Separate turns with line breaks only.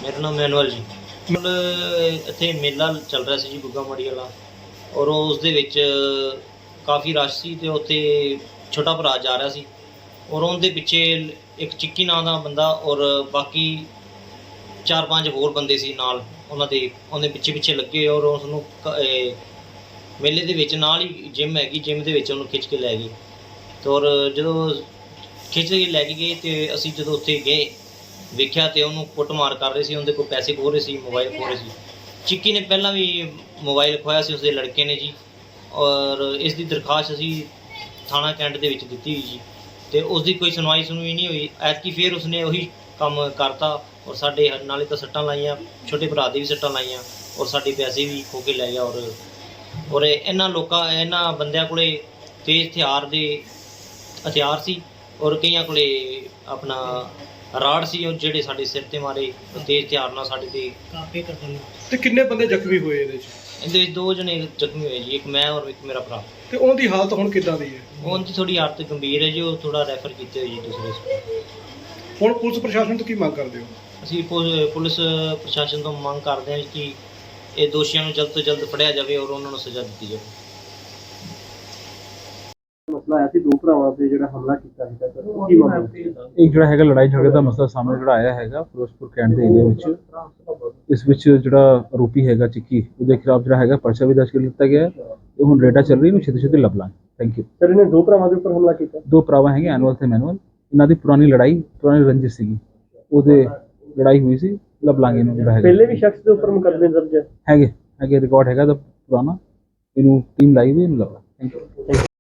ਮੇਰਾ ਨਾਮ ਮੈਨੂਅਲ ਜੀ। ਇੱਥੇ ਮੇਲਾ ਚੱਲ ਰਿਹਾ ਸੀ ਜੀ ਗੁੱਗਾ ਮੜੀ ਵਾਲਾ, ਔਰ ਉਸ ਦੇ ਵਿੱਚ ਕਾਫੀ ਰਸ਼ ਸੀ ਅਤੇ ਉੱਥੇ ਛੋਟਾ ਭਰਾ ਜਾ ਰਿਹਾ ਸੀ, ਔਰ ਉਹਦੇ ਪਿੱਛੇ ਇੱਕ ਚਿੱਕੀ ਨਾਂ ਦਾ ਬੰਦਾ ਔਰ ਬਾਕੀ 4-5 ਹੋਰ ਬੰਦੇ ਸੀ ਨਾਲ ਉਹਨਾਂ ਦੇ, ਉਹਦੇ ਪਿੱਛੇ ਪਿੱਛੇ ਲੱਗੇ ਔਰ ਉਸ ਨੂੰ ਮੇਲੇ ਦੇ ਵਿੱਚ ਨਾਲ ਹੀ ਜਿੰਮ ਹੈਗੀ, ਜਿੰਮ ਦੇ ਵਿੱਚ ਉਹਨੂੰ ਖਿੱਚ ਕੇ ਲੈ ਗਏ। ਅਤੇ ਔਰ ਜਦੋਂ ਖਿੱਚ ਕੇ ਲੈ ਕੇ ਗਏ ਅਤੇ ਅਸੀਂ ਜਦੋਂ ਉੱਥੇ ਗਏ ਵੇਖਿਆ ਤੇ ਉਹਨੂੰ ਕੁੱਟਮਾਰ ਕਰ ਰਹੇ ਸੀ, ਉਹਦੇ ਕੋਲ ਪੈਸੇ ਖੋਹ ਰਹੇ ਸੀ, ਮੋਬਾਈਲ ਖੋਹ ਰਹੇ ਸੀ। ਚਿੱਕੀ ਨੇ ਪਹਿਲਾਂ ਵੀ ਮੋਬਾਈਲ ਖੋਹਿਆ ਸੀ ਉਸਦੇ ਲੜਕੇ ਨੇ ਜੀ, ਔਰ ਇਸ ਦੀ ਦਰਖਾਸਤ ਅਸੀਂ ਥਾਣਾ ਕੈਂਟ ਦੇ ਵਿੱਚ ਦਿੱਤੀ ਹੋਈ ਜੀ, ਅਤੇ ਉਸ ਦੀ ਕੋਈ ਸੁਣਵਾਈ ਨਹੀਂ ਹੋਈ। ਐਤਕੀ ਫਿਰ ਉਸਨੇ ਉਹੀ ਕੰਮ ਕਰਤਾ ਔਰ ਸਾਡੇ ਨਾਲੇ ਤਾਂ ਸੱਟਾਂ ਲਾਈਆਂ, ਛੋਟੇ ਭਰਾ ਦੇ ਵੀ ਸੱਟਾਂ ਲਾਈਆਂ ਔਰ ਸਾਡੇ ਪੈਸੇ ਵੀ ਖੋਹ ਕੇ ਲੈ ਗਿਆ। ਔਰ ਇਹਨਾਂ ਬੰਦਿਆਂ ਕੋਲੇ ਤੇਜ਼ ਹਥਿਆਰ ਸੀ ਔਰ ਕਈਆਂ ਕੋਲੇ ਆਪਣਾ ਰਾੜ ਸੀ, ਉਹ ਜਿਹੜੇ ਸਾਡੇ ਸਿਰ ਤੇ ਮਾਰੇ ਤੇਜ਼ ਹਥਿਆਰ ਨਾਲ ਸਾਡੇ ਤੇ ਕਾਫੀ ਕਤਲ।
ਤੇ ਕਿੰਨੇ ਬੰਦੇ ਜ਼ਖਮੀ ਹੋਏ ਇਹਦੇ
ਵਿੱਚ 2 ਜਣੇ ਜ਼ਖਮੀ ਹੋਏ ਜੀ, ਇੱਕ ਮੈਂ ਔਰ ਇੱਕ ਮੇਰਾ ਭਰਾ।
ਤੇ ਉਹਦੀ ਹਾਲਤ ਹੁਣ ਕਿੱਦਾਂ ਦੀ ਹੈ?
ਉਹਦੀ ਥੋੜੀ ਹਾਲਤ ਗੰਭੀਰ ਹੈ ਜੀ, ਉਹ ਥੋੜਾ ਰੈਫਰ ਕੀਤੇ ਹੋਏ ਜੀ ਦੂਸਰੇ।
ਹੁਣ ਪੁਲਿਸ ਪ੍ਰਸ਼ਾਸਨ ਤੋਂ ਕੀ ਮੰਗ ਕਰਦੇ ਹੋ?
ਅਸੀਂ ਪੁਲਿਸ ਪ੍ਰਸ਼ਾਸਨ ਤੋਂ ਮੰਗ ਕਰਦੇ ਹਾਂ ਕਿ ਇਹ ਦੋਸ਼ੀਆਂ ਨੂੰ ਜਲਦ ਤੋਂ ਜਲਦ ਫੜਿਆ ਜਾਵੇ ਔਰ ਉਹਨਾਂ ਨੂੰ ਸਜ਼ਾ ਦਿੱਤੀ ਜਾਵੇ।
ਮਸਲਾ ਆਇਆ ਸੀ 2 ਭਰਾਵਾਂ ਤੇ ਜਿਹੜਾ ਹਮਲਾ ਕੀਤਾ ਸੀਗਾ, ਕੀ ਮਾਮਲਾ ਸੀ?
ਇੱਕ ਜਿਹੜਾ ਹੈਗਾ ਲੜਾਈ ਝਗੜੇ ਦਾ ਮਸਲਾ ਸਾਹਮਣੇ ਜਿਹੜਾ ਆਇਆ ਹੈਗਾ ਫਿਰੋਜ਼ਪੁਰ ਕੈਂਟ ਦੇ ਏਰੀਆ ਵਿੱਚ। ਇਸ ਵਿੱਚ ਜਿਹੜਾ ਆਰੋਪੀ ਹੈਗਾ ਚਿੱਕੀ, ਉਹਦੇ ਖਿਲਾਫ ਜਿਹੜਾ ਹੈਗਾ ਪਰਚਾ ਵੀ ਦਰਜ ਕਰ ਲਿੱਤਾ ਗਿਆ ਹੈ। ਇਹ ਹੁਣ ਰੇਡਾ ਚੱਲ ਰਹੀ ਨੂੰ ਛੇਤੀ ਲੱਭ ਲਾਂਗੇ। Thank you.
ਸਰ ਇਹਨੇ 2 ਭਰਾਵਾਂ ਦੇ ਉੱਪਰ ਹਮਲਾ ਕੀਤਾ?
2 ਭਰਾਵਾਂ ਹੈਗੇ ਐਨੂਅਲ ਤੇ ਮੈਨੂਅਲ, ਇਹਨਾਂ ਦੀ ਪੁਰਾਣੀ ਰੰਜਿਸ਼ ਸੀਗੀ, ਉਹਦੇ ਲੜਾਈ ਹੋਈ ਸੀ। ਲੱਭ ਲਾਂਗੇ ਇਹਨੂੰ ਜਿਹੜਾ ਹੈਗਾ।
ਪਹਿਲੇ ਵੀ ਸ਼ਖਸ ਦੇ ਉੱਪਰ ਮੁਕੱਦਮੇ ਦਰਜ ਹੈ?
ਹੈਗੇ ਰਿਕਾਰਡ ਹੈਗਾ ਦਾ ਪੁਰਾਣਾ, ਇਹਨੂੰ ਟੀਮ ਲਾਈ ਹੋਈ, ਇਹਨੂੰ ਲੱਭ ਲਾਂਗੇ। Thank you.